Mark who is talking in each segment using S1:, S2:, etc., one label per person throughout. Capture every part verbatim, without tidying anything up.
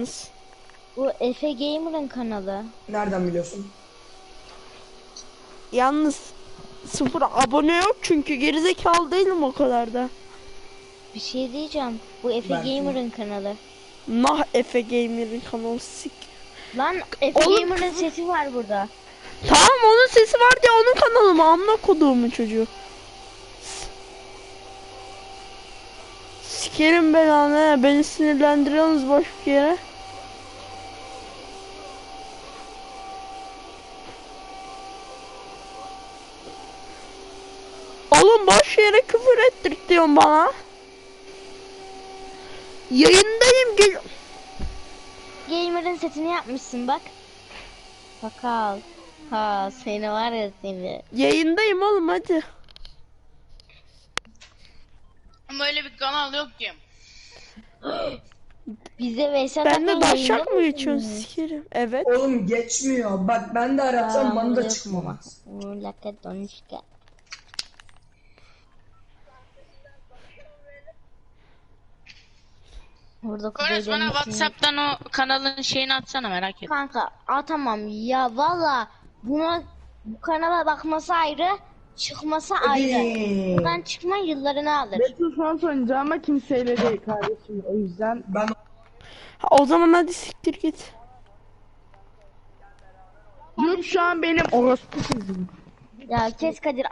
S1: yalnız.
S2: Bu Efe Gamer'ın kanalı.
S3: Nereden biliyorsun?
S1: Yalnız sıfır abone yok çünkü gerizekalı değilim o kadar da.
S2: Bir şey diyeceğim. Bu Efe
S3: Belki.
S2: Gamer'ın kanalı.
S1: Nah Efe Gamer'ın kanalı sik.
S2: Lan Efe
S1: Oğlum-
S2: Gamer'ın sesi var burada.
S1: Tamam onun sesi var diye onun kanalı mı? Amına koduğumun çocuğu. S- Sikerim belanı, beni sinirlendiriyorsunuz boş bir yere. Oğlum boş yere küfür ettirtiyorsun bana. Yayındayım gel.
S2: Gamer'ın setini yapmışsın bak. Bakal. Ha seni var ya seni.
S1: Yayındayım oğlum hadi.
S4: Ama öyle bir kanal yok ki.
S2: Bize Veysel
S1: Ben de
S2: Akman
S1: daşak
S2: yayında
S1: mı geçiyorsun
S2: mısın?
S1: sikerim? Evet.
S3: Oğlum geçmiyor. Bak ben de aratsam bana da çıkmaz.
S2: Laka donuşka. Burada
S4: Koyuz bana
S2: kuzeylerin
S4: Whatsapp'tan o kanalın şeyini atsana, merak ettim.
S2: Kanka atamam ya valla buna bu kanala bakması ayrı, çıkması ayrı.
S3: Hadi.
S2: Buradan çıkma yıllarını alır.
S5: Battlefront oynayacağım ama kimseyle değil kardeşim. O yüzden
S3: Ben
S1: Ha, o zaman hadi siktir git.
S5: grup şu an benim orospu kızım.
S2: Ya kes Kadir.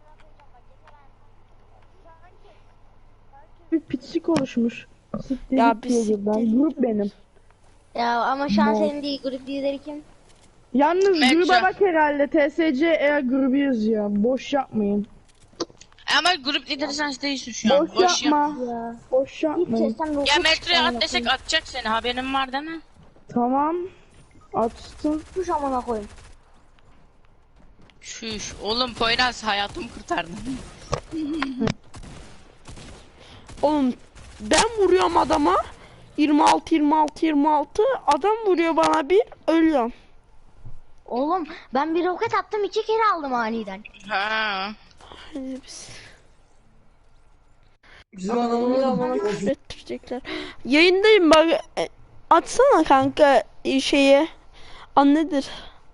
S5: Bir piçlik oluşmuş. Siktir
S1: Ya
S5: git
S1: bir
S5: diyor
S1: siktir
S5: ben.
S1: git.
S5: Grup benim.
S2: Ya ama şu an
S5: No.
S2: senin değil grup lideri kim?
S5: Yalnız
S4: Mertcan.
S5: gruba bak herhalde. T S C eğer grubu yazıyor. Boş yapmayın.
S4: Ama grup lideri sen değilsin şu an.
S5: Boş,
S4: Boş yap.
S5: yapma.
S2: Ya.
S5: Boş yapmayın.
S2: Sesten
S4: Ya
S2: dokuz
S4: metroya
S2: amına
S4: at desek
S2: koyayım.
S4: atacak seni, haberin var değil mi?
S5: Tamam. Açtım.
S2: Kuş amına koyayım.
S4: Şuş. Oğlum Poyraz hayatımı kurtardın.
S1: Oğlum ben vuruyorum adama. yirmi altı yirmi altı yirmi altı adam vuruyor bana bir ölüyorum.
S2: Oğlum ben bir roket attım iki kere aldım aniden.
S4: Ha.
S1: Hadi biz.
S3: bizim
S1: Ya
S3: adamımız
S1: bana küfür ettirecekler. Yayındayım bak. e, Atsana kanka e, şeyi. An nedir?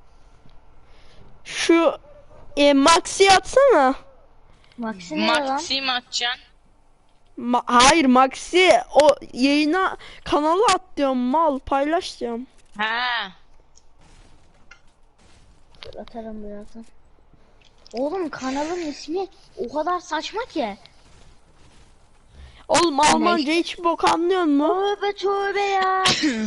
S1: Şu e, Max'i atsana.
S2: Maxi ne lan?
S4: Maxi mi atacaksın?
S1: Ma- Hayır Max'i o yayına kanala at diyorum mal paylaş diyorum.
S4: Ha.
S2: Dur, atarım birazdan. Oğlum kanalın ismi o kadar saçma ki.
S1: Oğlum Almanca hiç bok anlıyor mu?
S2: Tövbe tövbe ya.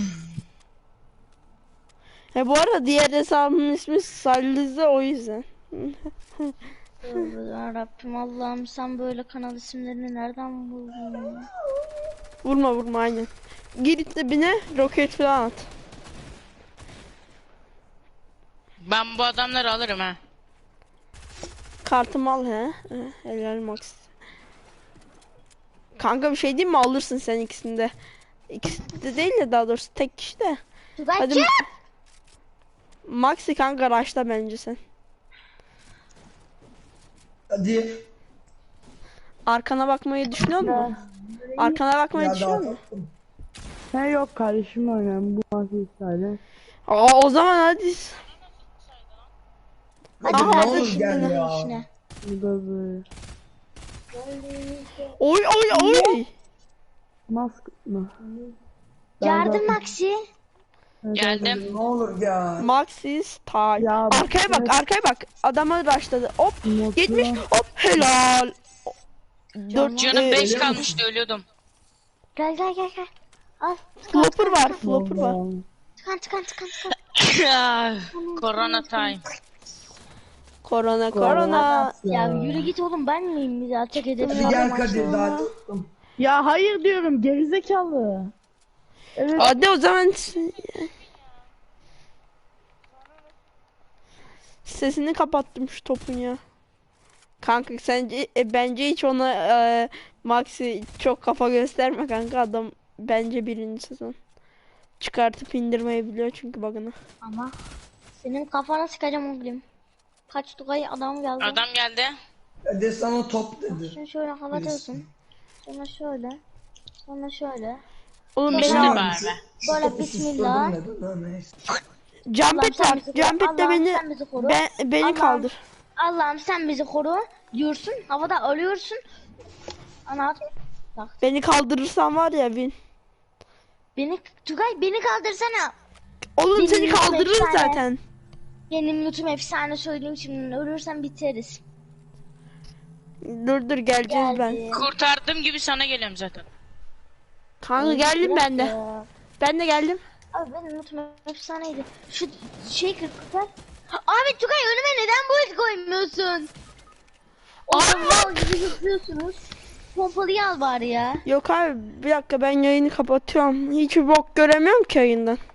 S1: E bu arada diğer hesabımın ismi Sallize o yüzden.
S2: Tövbe yarabbim Allah'ım sen böyle kanal isimlerini nereden buldun ya?
S1: Vurma vurma aynen. Gir dibine roket falan at.
S4: Ben bu adamları alırım ha.
S1: Kartımı al he. he helal Max. Kanka bir şey diyeyim mi alırsın sen ikisinde. İkisinde değil de daha doğrusu tek kişi de. Hadi
S2: Tugaycı.
S1: Maxi kanka raşla bence sen.
S3: Hadi.
S1: Arkana bakmayı düşünüyor musun? Arkana bakmayı
S3: Ya
S1: düşünüyor
S3: daha
S1: musun?
S3: tatlım.
S5: He yok kardeşim oynayalım. Bu maçı iptal.
S1: Aa o zaman hadi.
S3: Hadi
S1: Aha,
S3: ne
S1: hadi
S3: olur
S1: şimdi
S3: gel
S2: Ne
S3: ya.
S2: işine?
S5: Bu da böyle.
S1: Oy oy oy.
S5: Mask mı?
S2: Yardım Maxi.
S4: Geldim.
S3: Ne olur gel.
S1: Maxi style.
S5: Ya,
S1: Arkaya bak
S5: evet.
S1: arkaya bak. Adama raşladı. Hop
S5: Mutlu.
S1: yetmiş hop helal. Dört
S4: Canım
S1: e,
S4: beş
S3: ölüyor
S4: kalmıştı, ölüyordum.
S2: Gel gel gel gel. Al.
S1: flopper var flopper var.
S2: Tıkan tıkan tıkan tıkan.
S4: Corona time.
S1: Korona korona.
S2: Ya yürü git oğlum ben miyim bizi atak
S3: Hadi
S2: edemiyorum.
S3: gel Kadir daha tatlım.
S5: Ya hayır diyorum gerizekalı. Evet.
S1: Hadi o zaman sesini kapattım şu topun ya. Kanka sence e, bence hiç ona e, Maxi çok kafa gösterme kanka adam bence birinci sezon. Çıkartıp indirmeyi biliyor çünkü bug'ını.
S2: Ama senin kafana sıkacağım oğlum. Kaç Tugay adam geldi.
S4: Adam geldi.
S3: Hadi sana top dedi.
S2: Şunu şöyle kapatıyorsun. Sonra şöyle. Sonra şöyle.
S1: Oğlum
S4: İşte
S1: beni al.
S4: bari.
S2: Böyle
S3: Topu
S2: bismillah.
S3: susturdım da, da neyse.
S1: Jumpet
S2: Allah'ım sen
S1: var.
S2: bizi koru.
S1: Jumpet de
S2: Allah'ım
S1: beni
S2: sen bizi koru.
S1: ben, beni
S2: Allah'ım.
S1: kaldır.
S2: Allah'ım sen bizi koru diyorsun. Havada ölüyorsun. Ana bak
S1: Beni kaldırırsan var ya Vin.
S2: beni Tugay beni kaldırsana.
S1: Oğlum
S2: Benim
S1: seni
S2: yüzüm
S1: kaldırır
S2: efsane.
S1: zaten.
S2: Benim lootum efsane söyleyeyim şimdi. Ölürsem biteriz.
S1: Dur dur geleceğiz ben.
S2: Geldi.
S4: Kurtardığım gibi sana geliyorum zaten.
S1: Kanka geldim ben de.
S2: Ya.
S1: Ben de geldim.
S2: Abi benim lootum efsaneydi. Şu şey kırk kırk. Abi Tugay önüme neden bu et koymuyorsun? Oğlum mal gibi zıplıyorsunuz. Pompalıyı al bari ya.
S1: Yok abi bir dakika ben yayını kapatıyorum. Hiçbir bok göremiyorum ki yayından.